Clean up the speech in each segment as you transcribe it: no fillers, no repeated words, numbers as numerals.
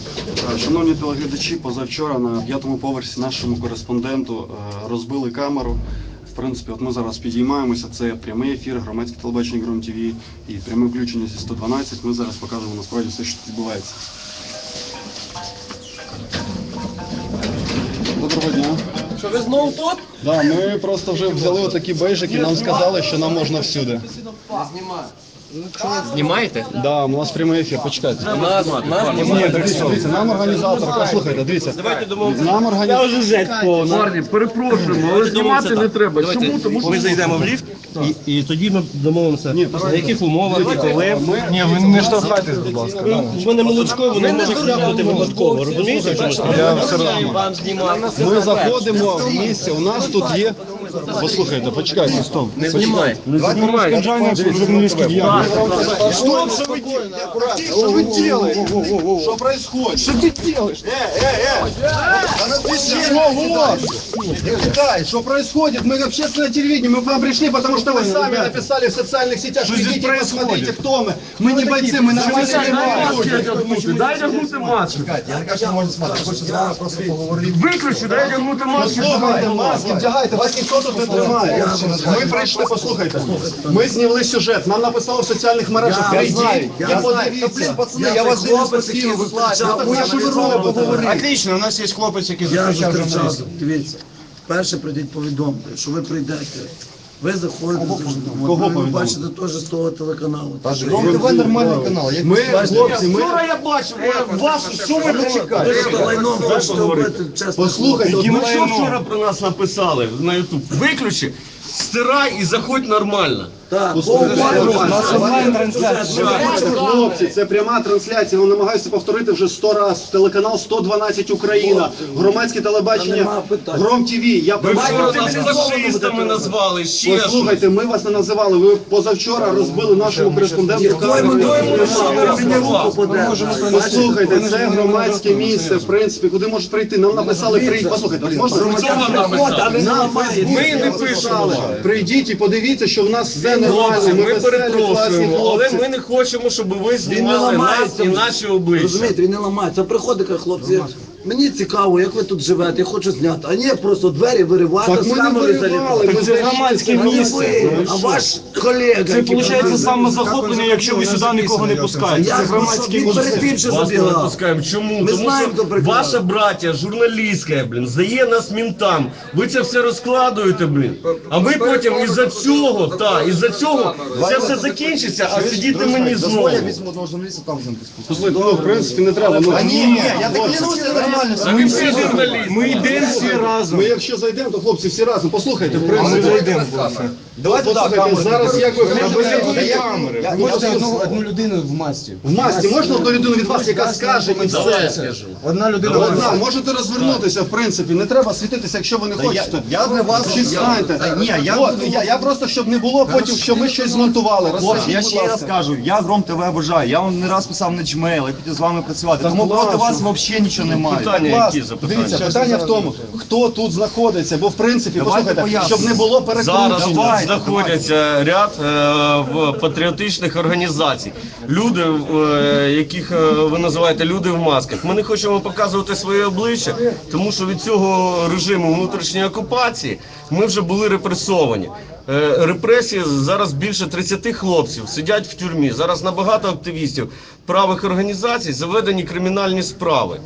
Шановні телеглядачі, позавчора на 5-му поверсі нашому кореспонденту розбили камеру. В принципі, от ми зараз підіймаємося, це прямий ефір, громадське телебачення Гром ТВ і пряме включення зі 112. Ми зараз покажемо насправді все, що тут відбувається. Доброго дня. Що, ви знову тут? Да, ми просто вже взяли отакі бейжики, нам сказали, що нам можна всюди. Не знімаю. Знімаєте? Да, у нас прямий ефір, почекайте. Нас Ні, дивіться, нам організатор, послухайте, дивіться. Давайте домовимося. Нам організатор. Парні, перепрошуємо, але знімати не треба. Чому? Тому що ми зайдемо в ліфт і тоді ми домовимося, на яких умовах і коли. ні, ви не штовхайтесь, будь ласка. У мене молочко, вони можуть хляпнути випадково, розумієте? Я все одно. Вам знімати. Ми заходимо в місце, у нас тут є... Послухайте, почекайте, стоп. Не знімай. журналістських діяльності. Стоп, что вы делаете? Что вы делаете? Что происходит? Что ты делаешь? Что происходит? Мы общественное телевидение, мы к вам пришли, потому что вы сами написали в социальных сетях. Идите, посмотрите, кто мы. Мы не бойцы, мы нормальные люди. Дай одягнути маску. Я не кажу, що не можна знімати. Я хочу з вами просто поговорити. Виключи, дай одягнути маску. Послухайте, маски вдягайте, вас ніхто тут не тримає. Ми прийшли, послухайте. Ми зняли сюжет, нам написали в соціальних мережах. Прийдіть, і подивіться. Пацани, я вас дивлюсь постійно, ви Що ви робите? Отлично, у нас є хлопець, який Я зустрічав зустрічав. журналістів. Дивіться, перше прийдіть повідомте, що ви прийдете. Ви заходите, Кого ви повідомити? бачите теж з того телеканалу. Ви нормальний канал. Ми, хлопці, ми... Вчора я бачив, вас, що ви Ви чекаєте? що лайном хочете робити, чесно. Послухайте, Ви ми що вчора про нас написали на YouTube? Виключи, стирай і заходь нормально. Так, Хлопці, це пряма трансляція, я намагаюся повторити вже 100 разів. Телеканал 112 Україна, громадське телебачення Гром ТВ. Я Ви вчора прошу нас фашистами назвали, ще щось. послухайте, ми вас не називали, ви позавчора розбили нашому кореспонденту камеру. Послухайте, це громадське місце, в принципі, куди можуть прийти. Нам написали, прийдіть, послухайте, можна Хто вам написав? Ми не пишемо. прийдіть і подивіться, що в нас все нормально. Хлопці, ми веселі, класні перепрошуємо, але хлопці. ми не хочемо, щоб ви Він не знімали нас ламається. і наші обличчя. Розумієте, він не ламається. Приходить, каже, хлопці, мені цікаво, як ви тут живете, я хочу зняти. А ні, просто двері виривати, Так ми не виривали, ми Це громадське місце. А ваш колега... Це виходить самозахоплення, якщо ви сюди нікого не пускаєте. Це громадське Він перед місце. тим, що Вас не забігав. пускаємо. Чому? Ми Тому знаємо, хто що прикриває. ваша браття, журналістка, здає нас ментам. Ви це все розкладуєте, А ви потім із-за цього, із-за цього, це все закінчиться, а сидіти мені знову. одного журналіста там з ним поспілкуватися. Послухайте, ну, в принципі, не треба. Ну, я так клянуся, нормально. А ви всі журналісти. Ми йдемо всі разом. Ми якщо зайдемо, то хлопці всі разом. Послухайте, в принципі. Давайте Послухайте, зараз як ви Можете одну людину в масці. в масці, можна одну людину від вас, яка скаже і все? Одна людина Одна, можете розвернутися, в принципі, не треба світитися, якщо ви не хочете. Я для вас... Чи станьте? Я просто, щоб не було потім, що ми щось змонтували. Хлопці, я Розкажіть, ще будь раз ласка. кажу, я Гром ТВ обожаю, я вам не раз писав на Gmail, я хотів з вами працювати, тому класно. проти вас взагалі нічого немає. Питання Клас. які запитання? Дивіться, питання в тому, хто тут знаходиться, бо в принципі, Давайте послухайте, пояснимо. щоб не було Зараз перекручень. тут знаходяться ряд патріотичних організацій. Люди, яких ви називаєте люди в масках. Ми не хочемо показувати своє обличчя, тому що від цього режиму внутрішньої окупації ми вже були репресовані. Репресії зараз більше 30 хлопців сидять в тюрмі. Зараз на багато активістів правих організацій заведені кримінальні справи.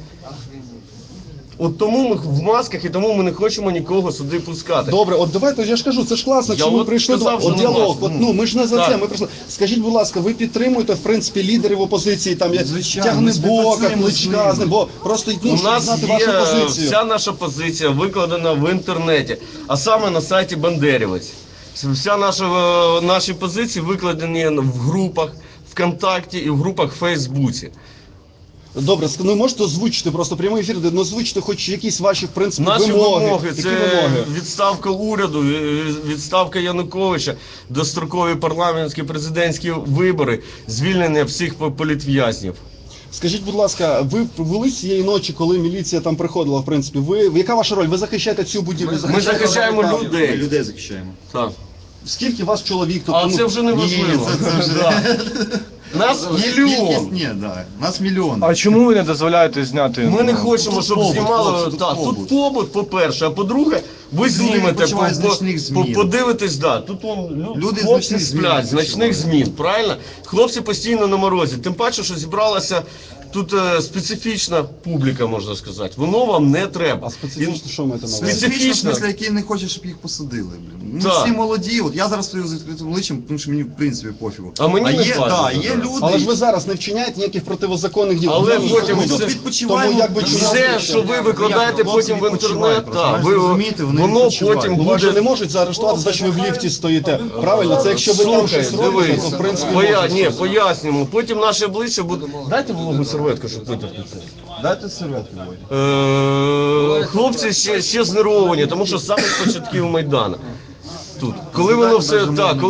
От тому ми в масках і тому ми не хочемо нікого сюди пускати. Добре, от давайте, я ж кажу, це ж класно, Я що ми от прийшли до сказав, що от діалог. нема. От, ми ж не за Так. це, ми прийшли. Скажіть, будь ласка, ви підтримуєте, в принципі, лідерів опозиції, там, як Звичайно, Тягнебока, ми Кличка, бо просто, ну, У щоб нас знати є вашу позицію. вся наша позиція викладена в інтернеті, а саме на сайті Бандерівець. Вся наші позиції викладені в групах ВКонтакті і в групах в Фейсбуці. Добре, ну можете озвучити просто прямий ефір, де озвучити хоч якісь ваші, в принципі, Наші вимоги Які це вимоги? відставка уряду, відставка Януковича, дострокові парламентські президентські вибори, звільнення всіх політв'язнів. Скажіть, будь ласка, ви були цієї ночі, коли міліція там приходила, в принципі, яка ваша роль? Ви захищаєте цю будівлю? Ми захищаємо Ми людей. людей захищаємо. Так. Скільки вас чоловік? А це вже не важливо. Ні, це вже... Нас Кількість мільйон. ні, да. Нас мільйон. А чому ви не дозволяєте зняти? Ми не хочемо, щоб побут, знімали. хлопці, тут Так, побут. тут побут, по-перше, а по-друге, ви знімете, відпочивають з нічних змін. подивитесь, да. Тут Люди з хлопці нічних змін сплять, з ночних відпочивають. змін, правильно? Хлопці постійно на морозі. Тим паче, що зібралася тут специфічна публіка, можна сказати. Воно вам не треба. А специфічно що маєте на увазі? Специфічно. В смислі, які не хочуть, щоб їх посадили. Блін. Ми Так. всі молоді. От я зараз стою з відкритим обличчям, тому що мені в принципі пофігу. А мені не є, важливо, да, є да. люди. Але ж ви зараз не вчиняєте ніяких противозаконних дій. Але Ні, потім ні, все- ні. відпочиваємо. Тому якби Все, що ви викладаєте Хлопці потім в відпочивають інтернет, просто, так, ви розумієте, вони воно відпочивають. потім Ну, вас же буде. не можуть заарештувати, за що ви в ліфті стоїте. Правильно? Це якщо ви там Слухай, щось робите, дивись, то в принципі ні, пояснюємо. Потім наше обличчя буде. Дайте вологу серветку, щоб витерти це. Дайте серветку, Володя. Хлопці ще знервовані, тому що з самих початків Майдану. Тут. Коли воно все так,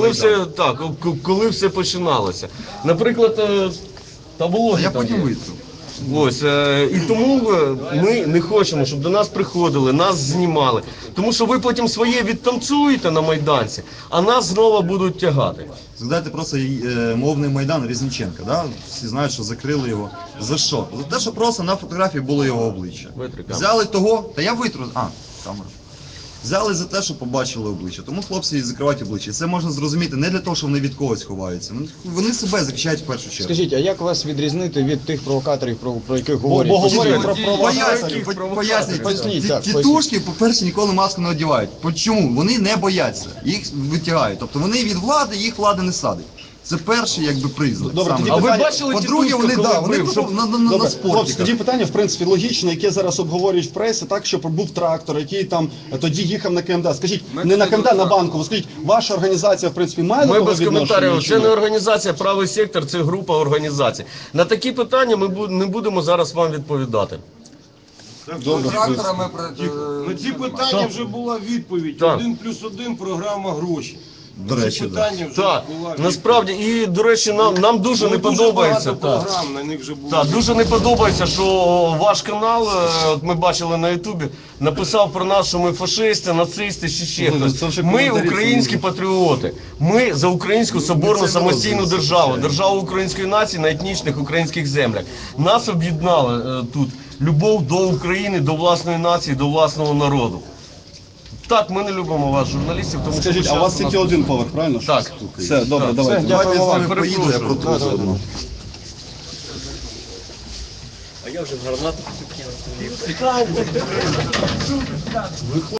коли все починалося. Наприклад, та А вологі я там потім є. витру. Ось, і тому ми не хочемо, щоб до нас приходили, нас знімали. Тому що ви потім своє відтанцюєте на Майданці, а нас знову будуть тягати. Згадайте просто мовний Майдан Різниченка, да? Всі знають, що закрили його. За що? За те, що просто на фотографії було його обличчя. Витри камеру. Взяли того, та я витру, камера. Взяли за те, що побачили обличчя. Тому хлопці і закривають обличчя. Це можна зрозуміти не для того, що вони від когось ховаються. Вони себе захищають в першу чергу. Скажіть, а як вас відрізнити від тих провокаторів, про яких говорять? бо говорять постійно? про провокації. Поясніть. Поясніть, так, Тітушки, по-перше, ніколи маску не одягають. Чому? Вони не бояться. Їх витягають. Тобто вони від влади, їх влада не садить. Це перший якби признак. Добре, Саме. тоді А ви питання- бачили По-друге, тітушку, вони, коли да, вони бив, просто щоб- на Добре, спорті. хлопці, тоді питання, в принципі, логічне, яке зараз обговорюють в пресі, так, що був трактор, який там тоді їхав на КМДА. Скажіть, не на КМДА, на Банкову. Скажіть, ваша організація, в принципі, має до Ми того без відношення? коментарів. чи Це ні? не організація, правий сектор, це група організацій. На такі питання ми не будемо зараз вам відповідати. Добре. На ці питання вже була відповідь. Так. 1+1 програма гроші. До речі, Ці да. питання вже Так, була відповідь. насправді, і, до речі, нам дуже Ну, не подобається. багато Так. програм, на них вже було. Так, дуже не подобається, що ваш канал, от ми бачили на Ютубі, написав про нас, що ми фашисти, нацисти, ще Ну, хтось. це вже Ми коментарі українські це патріоти. Ми за українську соборну це самостійну розуміємо, державу, звичайно. державу української нації на етнічних українських землях. Нас об'єднала тут любов до України, до власної нації, до власного народу. Так, ми не любимо вас, журналістів, тому Скажіть, що а у вас тільки один поверх, правильно? Так. Все, добре, Так, давайте. Давайте я з вами перепрошую. поїду, я протру заодно.